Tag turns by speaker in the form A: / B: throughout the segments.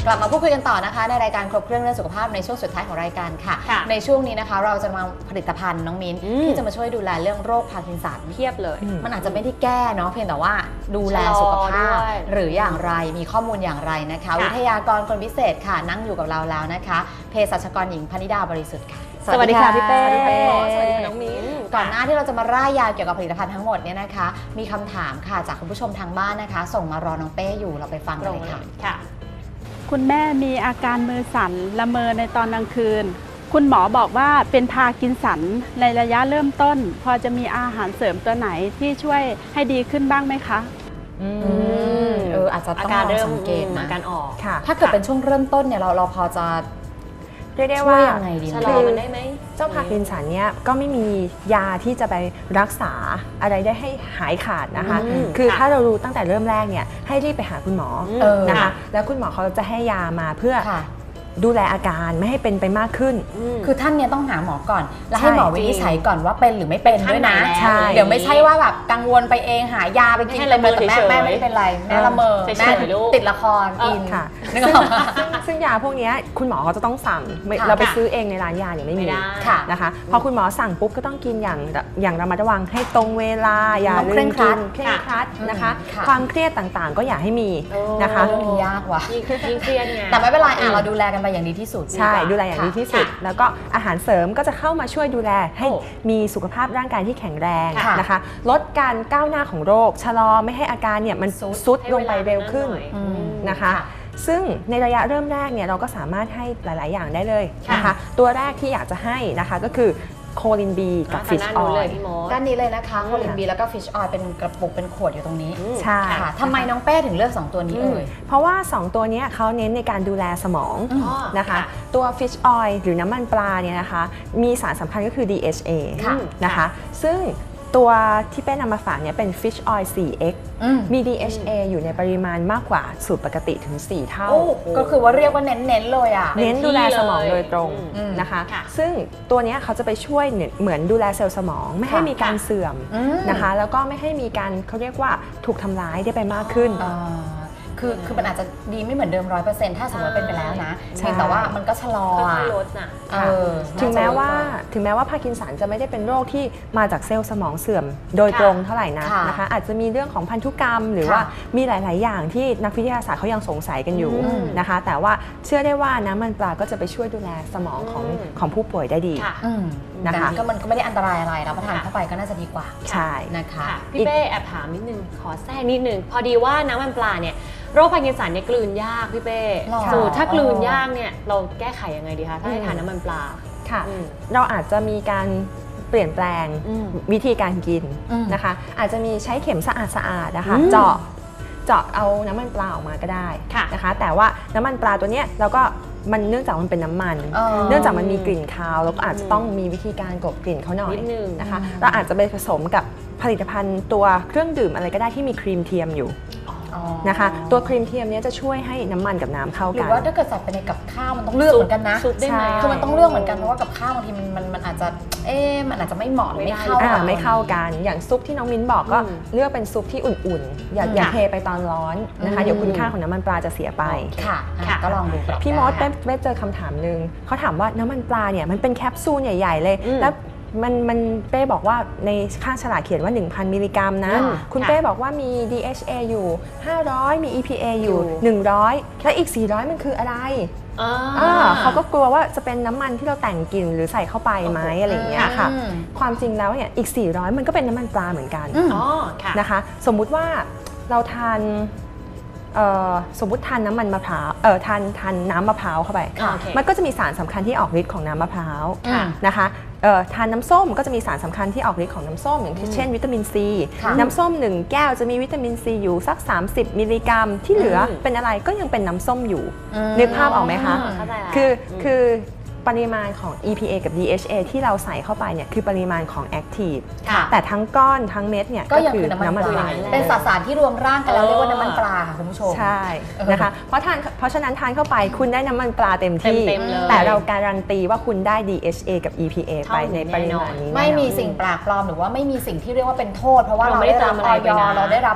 A: กลับมาพูดคุยกันต่อนะคะในรายการครบเครื่องเรื่องสุขภาพในช่วงสุดท้ายของรายการค่ะในช่วงนี้นะคะเราจะมาผลิตภัณฑ์น้องมิ้นที่จะมาช่วยดูแลเรื่องโรคพาร์กินสัน
B: เพียบเลย
A: มันอาจจะไม่ได้แก้เนาะเพียงแต่ว่าดูแลสุขภาพหรืออย่างไรมีข้อมูลอย่างไรนะคะวิทยากรคนพิเศษค่ะนั่งอยู่กับเราแล้วนะคะเภสัชกรหญิงพนิดาบริสุทธิ์ค่ะ
B: สวัสดีค่ะพี่เป้สวัสดีน้องมิ้น
A: ก่อนหน้าที่เราจะมาร่ายยาวเกี่ยวกับผลิตภัณฑ์ทั้งหมดเนี่ยนะคะมีคำถามค่ะจากคุณผู้ชมทางบ้านนะคะส่งมารอน้องเป้อยู่เราไปฟังกันเลยค่ะ
C: คุณแม่มีอาการมือสั่นละเมอในตอนกลางคืนคุณหมอบอกว่าเป็นพาร์กินสันในระยะเริ่มต้นพอจะมีอาหารเสริมตัวไหนที่ช่วยให้ดีขึ้นบ้างไหมคะ
A: อาจจะต้องลองสังเกต
B: อาการออก
A: ถ้าเกิดเป็นช่วงเริ่มต้นเนี่ยเราพอจะ
D: เรียกได้ว่า
B: ชะลอมันได้ไหม
D: เจ้าพาร์กินสันเนี่ยก็ไม่มียาที่จะไปรักษาอะไรได้ให้หายขาดนะคะคือถ้าเรารู้ตั้งแต่เริ่มแรกเนี่ยให้รีบไปหาคุณหมอนะคะแล้วคุณหมอเขาจะให้ยามาเพื่อดูแลอาการไม่ให้เป็นไปมากขึ้น
A: คือท่านเนี่ยต้องหาหมอก่อนแล้วให้หมอวินิจฉัยก่อนว่าเป็นหรือไม่เป็นด้วยนะเดี๋ยวไม่ใช่ว่าแบบกังวลไปเองหายาไปกินเลยแต่แม่ไม่เป็นไรแม่ละเมอแม่ติดละครอิน
D: ค่ะซึ่งยาพวกนี้คุณหมอเขาจะต้องสั่งเราไปซื้อเองในร้านยาเนี่ยไม่มีนะคะพอคุณหมอสั่งปุ๊บก็ต้องกินอย่างระมัดระวังให้ตรงเวลาอย่าลืมกินเคร่งครัดนะคะความเครียดต่างๆก็อย่าให้มีนะคะ
A: เรื่องยากว่ะ
B: ยิ่งเครียดไง
A: แต่ไม่เป็นไรเราดูแลกันไปอย่างดีที่สุด
D: ใช่ดูแลอย่างดีที่สุดแล้วก็อาหารเสริมก็จะเข้ามาช่วยดูแลให้มีสุขภาพร่างกายที่แข็งแรงนะคะลดการก้าวหน้าของโรคชะลอไม่ให้อาการเนี่ยมันซุดลงไปเร็วขึ้นนะคะซึ่งในระยะเริ่มแรกเนี่ยเราก็สามารถให้หลายๆอย่างได้เลยนะคะตัวแรกที่อยากจะให้นะคะก็คือโคลินบีกับฟิชออยล์
A: ด้านนี้เลยนะคะโคลินบีแล้วก็ฟิชออยล์เป็นกระปุกเป็นขวดอยู่ตรงนี้
D: ใช่
A: ค่ะทำไมน้องเป้ถึงเลือก2ตัวนี้
D: เพราะว่า2ตัวนี้เขาเน้นในการดูแลสมองนะคะตัวฟิชออยล์หรือน้ำมันปลาเนี่ยนะคะมีสารสำคัญก็คือ DHA นะคะซึ่งตัวที่เป้นำมาฝากเนี่ยเป็น Fish Oil 4X มี DHA อยู่ในปริมาณมากกว่าสูตรปกติถึง4เท่า
A: ก็คือว่าเรียกว่าเน้นเลยอ่ะ
D: เน้นดูแลสมองโดยตรงนะคะซึ่งตัวนี้เขาจะไปช่วยเหมือนดูแลเซลล์สมองไม่ให้มีการเสื่อมนะคะแล้วก็ไม่ให้มีการเขาเรียกว่าถูกทำร้ายได้ไปมากขึ้น
A: คือมันอาจจะดีไม่เหมือนเดิม 100% ถ้าสมมติเป็นไปแล้วนะเพียงแต่ว่ามันก็ชะลอ
B: ลดน่ะ
D: ถึงแม้ว่าพาร์กินสันจะไม่ได้เป็นโรคที่มาจากเซลล์สมองเสื่อมโดยตรงเท่าไหร่นะคะอาจจะมีเรื่องของพันธุกรรมหรือว่ามีหลายๆอย่างที่นักวิทยาศาสตร์เขายังสงสัยกันอยู่นะคะแต่ว่าเชื่อได้ว่าน้ำมันปลาก็จะไปช่วยดูแลสมองของผู้ป่วยได้ดี
A: นะคะก็มันก็ไม่ได้อันตรายอะไรรับประทานเข้าไปก็น่าจะดีกว่า
D: ใช่
A: นะคะ
B: พี่เป้แอบถามนิดนึงขอแทรกนิดนึงพอดีว่าน้ำมันปลาเนี่ยโรคพาร์กินสันเนี่ยกลืนยากพี่เป้ถ้ากลืนยากเนี่ยเราแก้ไขยังไงดีคะถ้าให้ทานน้ำมันปลา
D: ค่ะเราอาจจะมีการเปลี่ยนแปลงวิธีการกินนะคะอาจจะมีใช้เข็มสะอาดนะคะเจาะเอาน้ำมันปลาออกมาก็ได้นะคะแต่ว่าน้ำมันปลาตัวเนี้ยเราก็มันเนื่องจากมันเป็นน้ำมันเนื่องจากมันมีกลิ่นคาวแล้วก็อาจจะต้องมีวิธีการกลบกลิ่นเขาหน่อยนะคะเราอาจจะไปผสมกับผลิตภัณฑ์ตัวเครื่องดื่มอะไรก็ได้ที่มีครีมเทียมอยู่นะคะตัวครีมเทียมนี้จะช่วยให้น้ำมันกับน้ำเข้ากัน
A: หรือว่าถ้าเกิดใส่ไปในกับข้าวมันต้องเลือกเหมือนกันนะคือมันต้องเลือกเหมือนกันเพราะว่ากับข้าวบางทีมันอาจจะมันอาจจะไม่เหมาะไม่เข้า
D: กันอย่างซุปที่น้องมิ้นบอกก็เลือกเป็นซุปที่อุ่นๆอย่าเทไปตอนร้อนนะคะเดี๋ยวคุณค่าของน้ำมันปลาจะเสียไป
A: ค่ะก็ลองดู
D: พี่มดได้เจอคำถามนึงเขาถามว่าน้ำมันปลาเนี่ยมันเป็นแคปซูลใหญ่ๆเลยแล้วมันเป้บอกว่าในข้างฉลากเขียนว่า 1,000 มิลลิกรัมนะคุณเป้บอกว่ามี DHA อยู่500มี EPA อยู่100แล้วอีก400มันคืออะไรเขาก็กลัวว่าจะเป็นน้ำมันที่เราแต่งกลิ่นหรือใส่เข้าไปไหมอะไรอย่างเงี้ยค่ะความจริงแล้วเนี่ยอีก400มันก็เป็นน้ำมันปลาเหมือนกันนะคะสมมุติว่าเราทานสมมุติทานน้ำมันมะพร้าวทานน้ำมะพร้าวเข้าไปมันก็จะมีสารสำคัญที่ออกฤทธิ์ของน้ำมะพร้าวนะคะทานน้ำส้มก็จะมีสารสำคัญที่ออกฤทธิ์ของน้ำส้มอย่างเช่นวิตามินซีน้ำส้ม1แก้วจะมีวิตามินซีอยู่สัก30มิลลิกรัมที่เหลือเป็นอะไรก็ยังเป็นน้ำส้มอยู่นึกภาพออกไหมคะคือปริมาณของ EPA กับ DHA ที่เราใส่เข้าไปเนี่ยคือปริมาณของ Active แต่ทั้งก้อนทั้งเม็ดเนี่ย
A: ก็คือน้ำมันปลาเป็นสารที่รวมร่างกันแล้วเรียกว่าน้ำมันปลาค่ะคุณผู้ชม
D: ใช่นะคะเพราะฉะนั้นทานเข้าไปคุณได้น้ำมันปลาเต็มที่แต่เราการันตีว่าคุณได้ DHA กับ EPA ไปในปริมาณนี้
A: ไม่มีสิ่งแปลกปลอมหรือว่าไม่มีสิ่งที่เรียกว่าเป็นโทษเพราะว่าเราได้รับออยเราได้รับ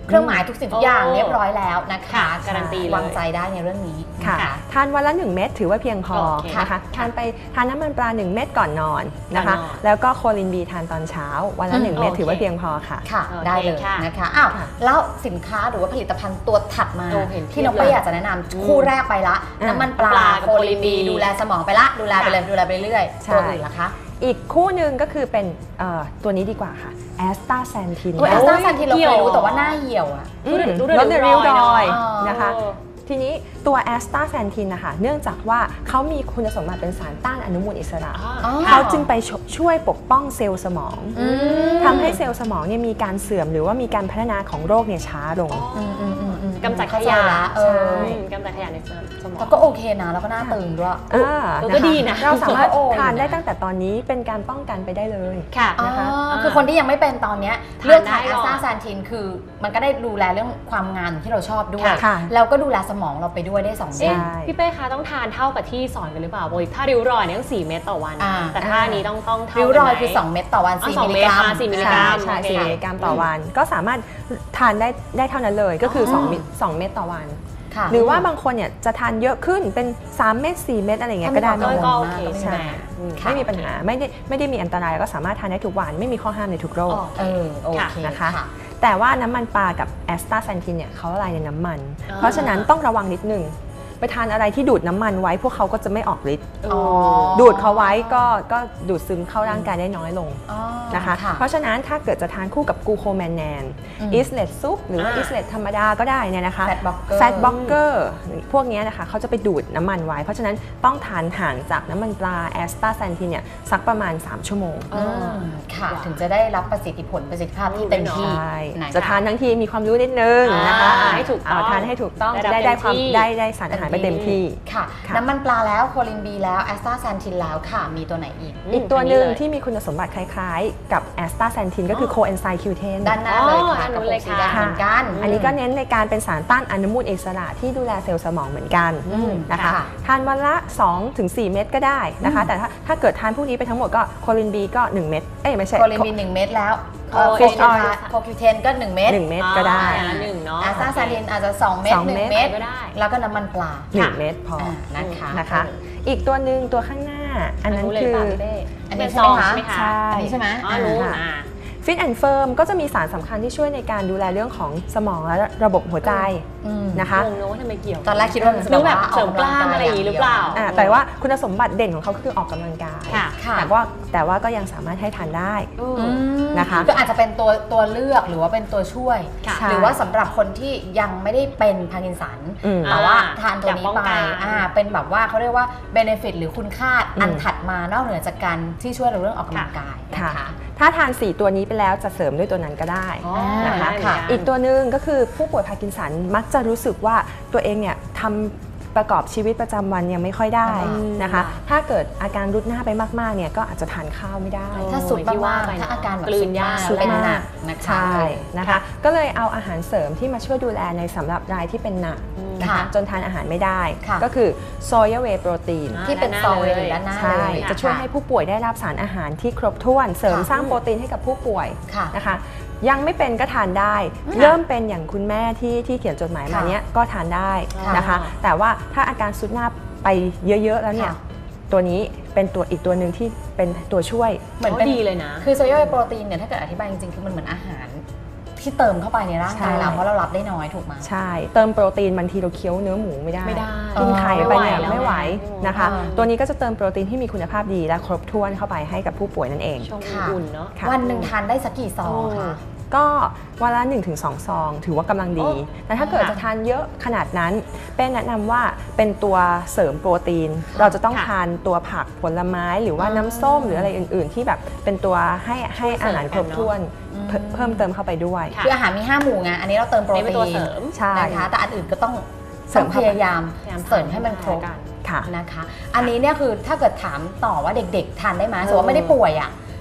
A: เครื่องหมายทุกสิ่งทุกอย่างเรียบร้อยแล้วนะคะ
B: ค่ะการันตีเลยว
A: างใจได้ในเรื่องนี้
D: ค่ะ
A: นะคะ
D: ทานวันละ1เม็ดถือว่าเพียงพอ
B: โอเค
D: นะคะทานน้ำมันปลา1เม็ดก่อนนอนนะคะ
B: ก่อนนอน
D: แล้วก็โคลินบีทานตอนเช้าวันละ1เม็ด
B: โอเค
D: ถือว่าเพียงพอค่ะ
A: ค่ะ
B: โอเค
A: ได้เลย
B: ค่ะ
A: นะคะอ้าว
D: ค่ะ
A: แล้วสินค้าหรือว่าผลิตภัณฑ์ตัวถัดมา
B: โอ้เห็น
A: ที่น้อง
B: เพียบเลย
A: เป้อยากจะแนะนำคู่แรกไปละ น้ำมันปลา
B: ปลากับ
A: โคลินบี
B: โคลินบี
A: ดูแลสมองไปละดูแลไปเลยดูแลไปเรื่อย
D: ใช่
A: ตัวอื่นล่ะคะ
D: อีกคู่หนึ่งก็คือเป็นตัวนี้ดีกว่าค่ะแอสตาแซนทิน
A: โอ้ยแอสตาแซนทินเรา
B: เหี่
A: เค
B: ย
A: ยว รู้แต่ว่าหน้าเหี่ยวอ่ะ
D: ลดริ้วรอย
A: อ๋อ
D: นะคะ ทีนี้ตัวแอสตาแซนทินนะคะเนื่องจากว่าเขามีคุณสมบัติเป็นสารต้านอนุมูลอิสระ
A: อ๋อ
D: เขาจึงไปช่วยปกป้องเซลล์สมอง
A: อืม
D: ทำให้เซลล์สมองเนี่ยมีการเสื่อมหรือว่ามีการพัฒนาของโรคเนี่ยช้าลง
B: กำจัดข
A: เข้าใจ
B: ยะ
A: ละเออ
B: กำจัดขยะในสมอง
A: แล้วก็โอเคนะแล้วก็หน้าตึงด้วย
B: ก็ดีนะ
D: เราสามารถ
A: โอ้ย
D: ทานได้ตั้งแต่ตอนนี้เป็นการป้องกันไปได้เลย
B: ค่ะ
D: นะคะ
A: คือคนที่ยังไม่เป็นตอนเนี้ย
B: ทาน
A: เลือกทาน
B: ได้
A: แอ
B: ก่อน
A: สตาแซนทินคือมันก็ได้ดูแลเรื่องความงานที่เราชอบด้วย
D: ค่ะ
A: แล้วก็ดูแลสมองเราไปด้วยได้2อ
B: เอ๊ะ
A: ย่าง
B: พี่เป้คะต้องทานเท่ากับที่สอนกันหรือเปล่าปกติถ้าริ้วรอยเนี่ยต้อง4 เม็ดต่อวัน
A: อ่า
B: แต่ถ้านี้ต้องเท่า
A: ริ้วรอยคือ
B: กันไหม
A: 2 เม็ดต่อวัน
B: อ๋อ
A: 4
B: 2
A: มิลลิกรัม
B: 4มิลลิกรัม
D: ใช่
B: โอเค
D: 4มิลลิกรัมต่อวัน ก็สามารถทานได้เท่านั้นเลยก็คือ2เม็ดต่อวัน
A: ค่ะ
D: หรือว่าบางคนเนี่ยจะทานเยอะขึ้นเป็น3เม็ด4เม็ดอะไรเงี้ยก็ได้
A: ถ้ามี
B: ก็
A: ความ
B: โอเค
A: กังวลมาก
B: ใช่ไหมอืม
A: ค่ะ
D: ไม่มีปัญหาไม่ได้มีอันตรายก็สามารถทานได้ทุกวันไม่มีข้อห้ามในทุกโรค
B: อ๋อ
A: โอเค
D: นะคะ
A: ค่ะ
D: แต่ว่าน้ำมันปลากับแอสตาแซนทินเนี่ยเขาละลายในน้ำมัน
B: อ่า
D: เพราะฉะนั้นต้องระวังนิดนึงไปทานอะไรที่ดูดน้ำมันไว้พวกเขาก็จะไม่ออกฤทธิ์
A: อ๋อ
D: ดูดเขาไว้ก็ดูดซึมเข้าร่างกายได้น้อยลง
A: อ๋อ
D: นะคะ เพราะฉะนั้นถ้าเกิดจะทานคู่กับกลูโคแมนแนน
A: อืม
D: อิสเลตซุปหรือว่าอิสเลตธรรมดาก็ได้เนี่ยนะคะ
A: Fat blocker
D: แฟตบล็อกเกอร์พวกเนี้ยนะคะเขาจะไปดูดน้ำมันไว้ เพราะฉะนั้นต้องทานห่างจากน้ำมันปลาแอสตาแซนทินเนี่ยสักประมาณ3ชั่วโมง
A: อืมค่ะ ถึงจะได้รับประสิทธิภาพที่เต็มที่
D: ใช่
A: นะคะ
D: จะทานทั้งทีมีความรู้นิดนึงนะคะ
B: ให้ถูกต้อง
D: ทานให้ถูกต้อง
B: ได้รับ
D: ได้ความ
B: เต็มที่
D: ได้สารอาหารไปเต็มที่
A: ค่ะ
D: ค่ะ
A: น้ำมันปลาแล้วโคลินบีแล้วแอสตาแซนทินแล้วค่ะ มีตัวไหนอีก
D: อีกตัวหนึ่ง
B: อัเลย
D: ที่มีคุณสมบัติคล้ายๆ กับแอสตาแซนทินก็คือโคเอนไซม์คิวเทน
A: ด้านหน้าเลยค่ะ
B: ด้านนู้
A: กับ
B: นเลย
A: สี
B: ค่ะ
A: แดงเหมือนกัน
D: อันนี้ก็เน้นในการเป็นสารต้านอนุมูลอิสระที่ดูแลเซลล์สมองเหมือนกัน
A: อืม
D: นะคะ
A: ค่ะ
D: ทานวันละ 2-4 เม็ดก็ได้นะคะ แต่ถ้าเกิดทานพวกนี้ไปทั้งหมดก็โคลินบีก็ 1 เม็ดไม่ใช่
A: โคลินบี1 เม็ดแล้ว
B: โค
A: โคคิวเทนก็ 1 เม็ด
D: 1 เม็ดก็ได้
B: อย่างละหนึ่งเนาะ
A: แอสตาแซนทินอาจจะ2 เม็ด
D: 2
A: 1 เม็ด
B: ก็ได้
A: แล้วก็น้ำมันปลา
D: 1 เม็ดพอ
A: นะคะ
D: นะคะ อีกตัวหนึ่งตัวข้างหน้า อันนั้น
B: เลย
D: คือ
B: ป่ะพี่เป้
A: อันนี้
B: เป็
A: ใช่ไหมคะ
B: ซอง
D: ใช่
A: อันนี้ใช่ไหม
B: อ๋อรู้
D: ค่ะ
B: อ่า
D: ฟิตแอนด์เฟิร์มก็จะมีสารสำคัญที่ช่วยในการดูแลเรื่องของสมองและระบบหัวใจ
A: อืม
D: นะคะ
B: งงนะว่าทำไมเกี่ยว
A: ตอนแรกคิดว่ามันจะ
B: นึกแบบ
A: ว่า
B: เสริมกล้ามอะไรอย่างนี้หรือเปล่า
D: แต่ว่าคุณสมบัติเด่นของเขาคือออกกำลังกาย
B: ค่ะ
A: ค่ะ
D: แต่ว่าก็ยังสามารถให้ทานได้
A: อืม
D: นะคะ
A: ก็อาจจะเป็นตัวเลือกหรือว่าเป็นตัวช่วย
B: ค่ะ
A: หรือว่าสำหรับคนที่ยังไม่ได้เป็นพาร์กินสัน
D: อืม
A: แต่ว่าทานตัวนี้
B: อยากป้อง
A: ไป
B: กัน
A: เป็นแบบว่าเขาเรียกว่าเบเนฟิตหรือคุณค่าอันถัดมานอกเหนือจากการที่ช่วยเราเรื่องออกกำลังกายนะ
D: ค่ะ
A: คะ
D: ถ้าทาน 4 ตัวนี้ไปแล้วจะเสริมด้วยตัวนั้นก็ได้
B: อ๋อ
D: นะคะ
B: ได้เหมือนกัน
D: อีกตัวหนึ่งก็คือผู้ป่วยพาร์กินสันมักจะรู้สึกว่าตัวเองเนี่ยทำประกอบชีวิตประจำวันยังไม่ค่อยได้
A: อืม
D: นะคะ ถ้าเกิดอาการรุดหน้าไปมากๆเนี่ยก็อาจจะทานข้าวไม่ได้
A: ถ้าสุด
B: ที่ว่า
A: าก
B: ไป
A: ๆ
B: เนอะ
A: ถ้าอาการแบบ
B: กลืนยาก
A: สุดเป็นหนักนะคะ
D: ใช่นะคะ ก็เลยเอาอาหารเสริมที่มาช่วยดูแลในสำหรับรายที่เป็นหนักนะคะ
A: ค่ะ
D: จนทานอาหารไม่ได้
A: ค่ะ
D: ก็คือโซยาเวย์โปรตีน
A: ที่เป็นซองเลยอยู่ด้านหน้า
D: ใช่
A: เลย
D: จะช่วยให้ผู้ป่วยได้รับสารอาหารที่ครบถ้วนเสริม
A: ค่ะ
D: สร้างโปรตีนให้กับผู้ป่วย
A: ค่ะ
D: นะคะ ยังไม่เป็นก็ทานได้
A: ค่ะ
D: เริ่มเป็นอย่างคุณแม่ที่เขียนจดหมายมา
A: ค่ะ
D: เนี้ยก็ทานได้นะคะ
B: ค่ะ
D: แต่ว่าถ้าอาการสุดหน้าไปเยอะๆแล้วเนี่ย
A: ค่ะ
D: ตัวนี้เป็นตัวอีกตัวหนึ่งที่เป็นตัวช่วย
A: เหมือนเป็น
B: ดีเลยนะ
A: คือโซยาโปรตีนเนี่ยถ้าเกิดอธิบายจริงๆ คือมันเหมือนอาหารที่เติมเข้าไปในร่างกายเรา
D: ใช่
A: เพราะเรารับได้น้อยถูกไหม
D: ใช่เติมโปรตีนบางทีเราเคี้ยวเนื้อหมูไม่ได้
B: ไม่ได้
D: กินไข่ไปเนี่ย
B: ไม่
D: ไม่
B: ไห
D: ไห
B: ว
D: ว
B: แล้ว
D: นะคะ
A: อ่า
D: ตัวนี้ก็จะเติมโปรตีนที่มีคุณภาพดีและครบถ้วนเข้าไปให้กับผู้ป่วยนั่นเอง
B: ชงอุ่นๆเนาะ
D: ค่ะ
A: วันหนึ่งทานได้สักกี่ซองคะ
D: ก็วันละ 1-2 ซอง ถือว่ากำลังดี
B: โอ้
D: แต่ถ้าเกิดจะทานเยอะขนาดนั้นเป็นแนะนำว่าเป็นตัวเสริมโปรตีน เราจะต้องทานตัวผักผลไม้หรือว่าน้ำส้มหรืออะไรอื่น ๆ ที่แบบเป็นตัวให้อาหารครบถ้วนเพิ่มเติมเข้าไปด้วย
A: คืออาหารมี5หมู่ไงอันนี้เราเติมโปร
B: นี่เป็น
A: ตี
B: ตัวน เสริม
D: ใช่
A: นะคะแต่อันอื่นก็ต้อง
D: เสริม
A: พยายาม
B: พยายาม
A: เสริมให้มันครบ
B: กัน
D: ค่ะ
A: นะคะ อันนี้เนี่ยคือถ้าเกิดถามต่อว่าเด็กๆ ทานได้ไหมสมมติว่าไม่ได้ป่วยอ่ะ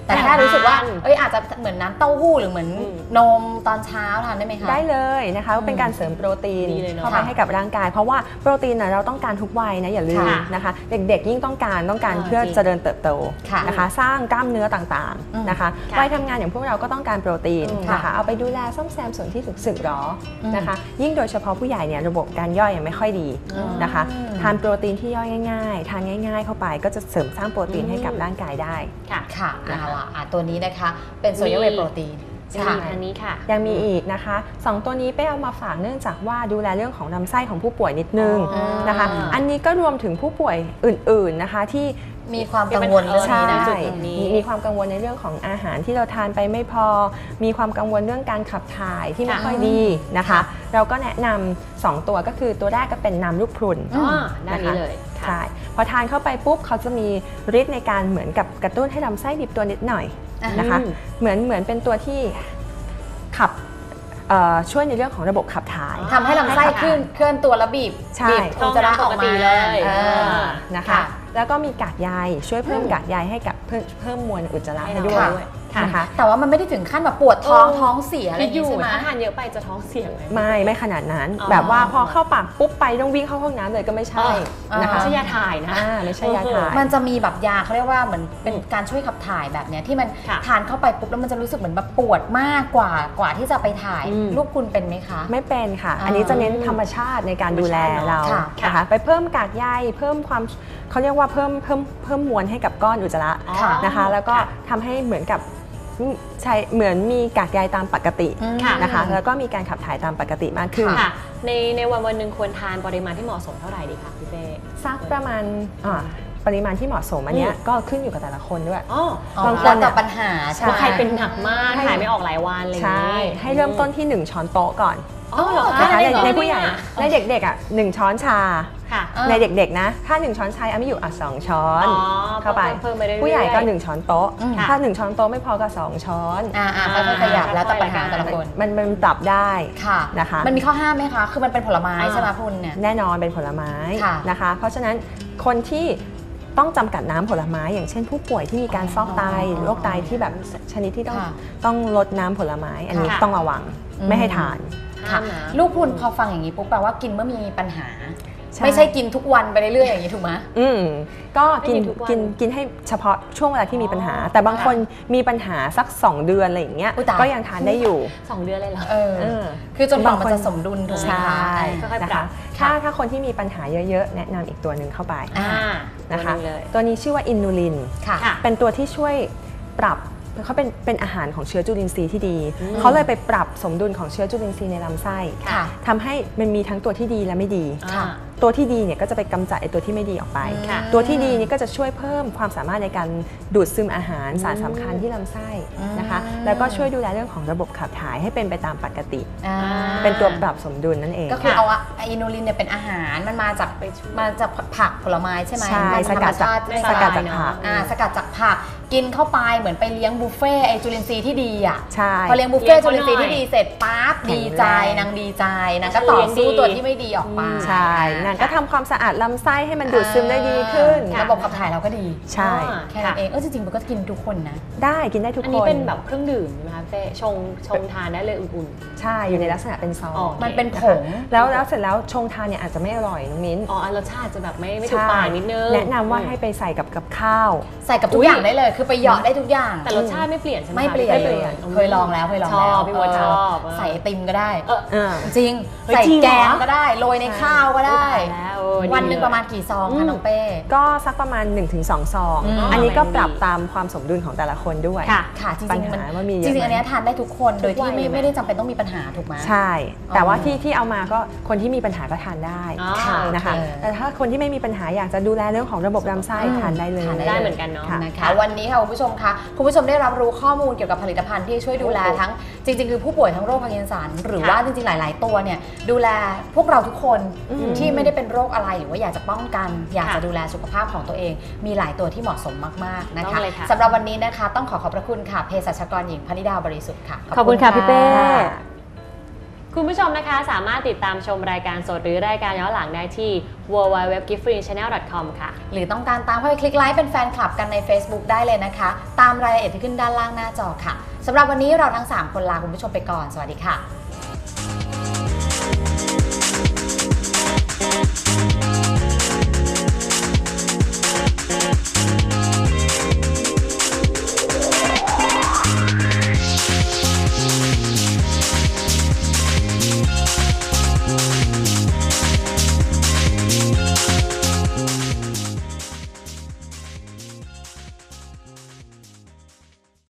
A: แต่แค่รู้สึกว่าอาจจะเหมือนน้ำเต้าหู้หรือเหมือนนมตอนเช้าทานได้ไหมคะ
D: ได้เลยนะคะเป็นการเสริมโปรตีนเข้าไปให้กับร่างกายเพราะว่าโปรตีนเราต้องการทุกวัยนะอย่าลืมนะคะเด็กๆยิ่งต้องการเพื่อเจริญเติบโตนะคะสร้างกล้ามเนื้อต่างๆนะคะวัยทำงานอย่างพวกเราก็ต้องการโปรตีนนะคะเอาไปดูแลซ่อมแซมส่วนที่ถูกสึกหรอนะคะยิ่งโดยเฉพาะผู้ใหญ่เนี่ยระบบการย่อยยังไม่ค่อยดีนะคะทานโปรตีนที่ย่อยง่ายๆทานง่ายๆเข้าไปก็จะเสริมสร้างโปรตีนให้กับร่างกายได้
A: ค่ะเอาล่ะตัวนี้นะคะเป็นโซเดียมเวย์โปรตีน
B: อันนี้ค่ะ
D: ยังมีอีกนะคะ2ตัวนี้เป้เอามาฝากเนื่องจากว่าดูแลเรื่องของลำไส้ของผู้ป่วยนิดนึงนะคะอันนี้ก็รวมถึงผู้ป่วยอื่นๆนะคะที่
A: มีความกังวลเรื่องนี้นะ
D: มีความกังวลในเรื่องของอาหารที่เราทานไปไม่พอมีความกังวลเรื่องการขับถ่ายที่ไม่ค่อยดีนะคะเราก็แนะนำ2ตัวก็คือตัวแรกก็เป็นน้ำลูกพรุน
B: นะคะเลย
D: ใช่พอทานเข้าไปปุ๊บเขาจะมีฤทธิ์ในการเหมือนกับกระตุ้นให้ลำไส้บีบตัวนิดหน่อยนะคะเหมือนเป็นตัวที่ขับช่วยในเรื่องของระบบขับถ่าย
A: ทำให้ลำไส้เคลื่อนตัวและบีบอุจจาระออกมา
B: เลย
D: นะคะแล้วก็มีกากใยช่วยเพิ่มกากใยให้กับเพิ่มมวลอุจจาระให้ด้วยนะคะ
A: แต่ว่ามันไม่ได้ถึงขั้นแบบปวดท้องเสียอะไร
B: อยู่ใช่ไหมถ้าทานเยอะไปจะท้องเสียไหม
D: ไม่ขนาดนั้นแบบว่าพอเข้าปากปุ๊บไปต้องวิ่งเข้าห้องน้ำเลยก็ไม่ใช่
B: นะคะไม่ใช่ยาถ่ายนะ
D: ไม่ใช่ยาถ่าย
A: มันจะมีแบบยาเขาเรียกว่าเหมือนเป็นการช่วยขับถ่ายแบบเนี้ยที่มันทานเข้าไปปุ๊บแล้วมันจะรู้สึกเหมือนแบบปวดมากกว่าที่จะไปถ่ายลูกคุณเป็นไหมคะ
D: ไม่เป็นค่ะอันนี้จะเน้นธรรมชาติในการดูแลเรานะคะไปเพิ่มกากใยเพิ่มความเขาเรียกว่าเพิ่มมวลให้กับก้อนอุจจาระนะคะแล้วก็ทำให้เหมือนกับเหมือนมีกากใยตามปกตินะคะแล้วก็มีการขับถ่ายตามปกติมากขึ้น
B: ในวันหนึ่งควรทานปริมาณที่เหมาะสมเท่าไหร่ดีคะพี่เป้
D: สักประมาณปริมาณที่เหมาะสมอันนี้ก็ขึ้นอยู่กับแต่ละคนด้วย
A: บางคนต่อปัญหา
B: ใครเป็นหนักมากถ่ายไม่ออกหลายวันอะไรอย่างนี้
D: ให้เริ่มต้นที่1ช้อนโต๊ะก่อนในผู้ใหญ่ในเด็กๆ1ช้อนชาในเด็กๆนะถ้า1ช้อนชาไม่อยู่2ช้อนเข้าไปผู้ใหญ่ก็1ช้อนโต๊ะถ้า1ช้อนโต๊ะไม่พอก็2ช้อน
A: ค่อยๆขยับแล้วแต่ปัญหาแต่ละคน
D: มันปรับได้นะคะ
A: มันมีข้อห้ามไหมคะคือมันเป็นผลไม้ใช่ไหมคุณเนี่ย
D: แน่นอนเป็นผลไม้นะคะเพราะฉะนั้นคนที่ต้องจำกัดน้ำผลไม้อย่างเช่นผู้ป่วยที่มีการฟอกไตโรคไตที่แบบชนิดที่ต้องลดน้ำผลไม้อันนี้ต้องระวังไม่ให้ทาน
A: ลูกคุณพอฟังอย่างนี้ปุ๊บแปลว่ากินเมื่อมีปัญหาไม่ใช่กินทุกวันไปเรื่อยๆอย่างนี้ถูกไหม
D: ก็กินให้เฉพาะช่วงเวลาที่มีปัญหาแต่บางคนมีปัญหาสัก2 เดือนอะไรอย่างเงี้ยก็ยังทานได้อยู่
B: 2 เดือนเลยเหรอ
A: คือจนกว่ามันจะสมดุลถูกไหมคะ
D: นะคะถ้าคนที่มีปัญหาเยอะๆแนะนำอีกตัวหนึ่งเข้าไปนะคะตัวนี้ชื่อว่าอินูลินเป็นตัวที่ช่วยปรับเขาเป็นอาหารของเชื้อจุลินทรีย์ที่ดีเขาเลยไปปรับสมดุลของเชื้อจุลินทรีย์ในลำไส้ทำให้มันมีทั้งตัวที่ดีและไม่ดีตัวที่ดีเนี่ยก็จะไปกำจัดไอ้ตัวที่ไม่ดีออกไปตัวที่ดีนี่ก็จะช่วยเพิ่มความสามารถในการดูดซึมอาหารสารสำคัญที่ลำไส้นะคะแล้วก็ช่วยดูแลเรื่องของระบบขับถ่ายให้เป็นไปตามปกติเป็นตัวปรับสมดุลนั่นเอง
A: ก็คือเอาอินูลินเนี่ยเป็นอาหารมันมาจากผักผลไม้ใช่ไหม
D: ใช่สกัดจากผัก
A: สกัดจากผักกินเข้าไปเหมือนไปเลี้ยงบุฟเฟ่ไอจุลินทรีย์ที่ดีอ่ะพอเลี้ยงบุฟเฟ่จุลินทรีย์ที่ดีเสร็จปั๊บดีใจนางดีใจนางก็ต่อสู้ตัวที่ไม่ดีออกมา
D: ใช่นางก็ทำความสะอาดลำไส้ให้มันดูดซึมได้ดีขึ้น
A: ระบบขับถ่ายเราก็ดี
D: ใช่
A: แค่นั้นเองจริงๆมันก็กินทุกคนนะ
D: ได้กินได้ทุกคนอัน
B: นี้เป็นแบบเครื่องดื่มใช่ไหมคะเป้ชงทานได้เลยอุ่น
D: ๆใช่อยู่ในลักษณะเป็นซอง
A: มันเป็นผง
D: แล้วเสร็จแล้วชงทานเนี่ยอาจจะไม่อร่อยน้องมิ้น
B: รสชาติจะแบบไม่ถูกปากนิดนึง
D: แนะนำว่าให้ไปใส่กับข้าว
A: ใส่กับทุกอย่างได้เลยคือไปหยอดได้ทุกอย่าง
B: แต่รสชาติไม่เปลี่ยนใช่ไหม
A: ไม่เปลี่ยนเคยลองแล้ว
B: ชอบพี่วชอบ
A: ใส่ไอติมก็ได้จริงใส่แกงก็ได้โรยในข้าวก็ได้วันหนึ่งประมาณกี่ซองคะน้องเป้
D: ก็สักประมาณ 1-2 ซองอันนี้ก็ปรับตามความสมดุลของแต่ละคนด้วย
A: ค่ะจริงๆอันนี้ทานได้ทุกคนโดยที่ไม่ได้จำเป็นต้องมีปัญหาถูกไหม
D: ใช่แต่ว่าที่เอามาก็คนที่มีปัญหาก็ทานได้นะคะแต่ถ้าคนที่ไม่มีปัญหาอยากจะดูแลเรื่องของระบบลำไส้ทานได้เลย
B: ได้เหมือนกันเนาะ
A: นะคะวันนี้ค่ะคุณผู้ชมคะคุณผู้ชมได้รับรู้ข้อมูลเกี่ยวกับผลิตภัณฑ์ที่ช่วยดูแลทั้งจริงๆคือผู้ป่วยทั้งโรคพาร์กินสันหรือว่าจริงๆหลายๆตัวเนี่ยดูแลพวกเราทุกคนที่ไม่ได้เป็นโรคอะไรหรือว่าอยากจะป้องกันอยากจะดูแลสุขภาพของตัวเองมีหลายตัวที่เหมาะสมมากๆนะคะสำหรับวันนี้นะคะต้องขอบพระคุณค่ะเภสัชกรหญิงพนิดาบริสุทธิ์ค่ะ
B: ขอบคุณค่ะพี่เป้คุณผู้ชมนะคะสามารถติดตามชมรายการสดหรือรายการย้อนหลังได้ที่ www.giftfreechannel.com ค่ะ
A: หรือต้องการตามเข้าไปคลิกไลค์เป็นแฟนคลับกันใน Facebook ได้เลยนะคะ ตามรายละเอียดที่ขึ้นด้านล่างหน้าจอค่ะสำหรับวันนี้เราทั้ง3คนลาคุณผู้ชมไปก่อนสวัสดีค่ะ